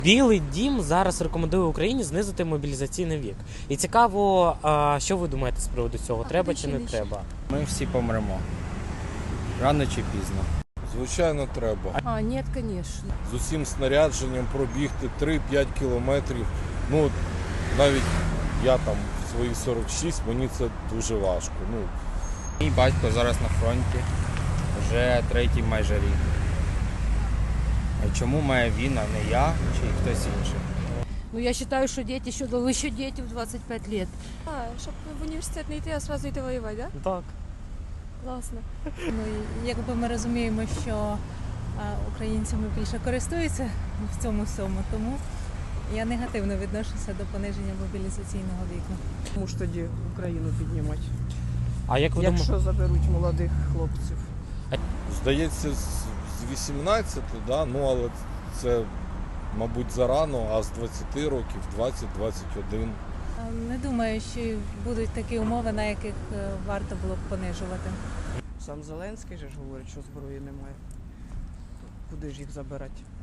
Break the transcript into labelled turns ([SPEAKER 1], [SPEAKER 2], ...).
[SPEAKER 1] Білий дім зараз рекомендує Україні знизити мобілізаційний вік. І цікаво, що ви думаєте з приводу цього? Треба чи не треба?
[SPEAKER 2] Ми всі помремо. Рано чи пізно.
[SPEAKER 3] Звичайно, треба.
[SPEAKER 4] Ні, звісно.
[SPEAKER 3] З усім снарядженням пробігти 3-5 кілометрів. Ну, навіть я там в свої 46, мені це дуже важко.
[SPEAKER 2] Мій батько зараз на фронті, вже третій майже рік. А чому має він, а не я чи хтось інший?
[SPEAKER 4] Ну, я вважаю, що діти, що дали ще діти в 25 років.
[SPEAKER 5] Щоб в університет не йти, а одразу йти воювати, так?
[SPEAKER 1] Так.
[SPEAKER 5] Класно.
[SPEAKER 6] Ну, якби ми розуміємо, що українцями більше користуються в цьому всьому, тому я негативно відношуся до пониження мобілізаційного віку.
[SPEAKER 7] Тому ж тоді Україну піднімати,
[SPEAKER 1] А як ви думаєте?
[SPEAKER 7] якщо заберуть молодих хлопців.
[SPEAKER 3] Здається, з 18, да? Ну, але це, мабуть, зарано, а з 20 років, 20-21.
[SPEAKER 6] Не думаю, що будуть такі умови, на яких варто було б понижувати.
[SPEAKER 7] Сам Зеленський же ж говорить, що зброї немає. Куди ж їх забирати?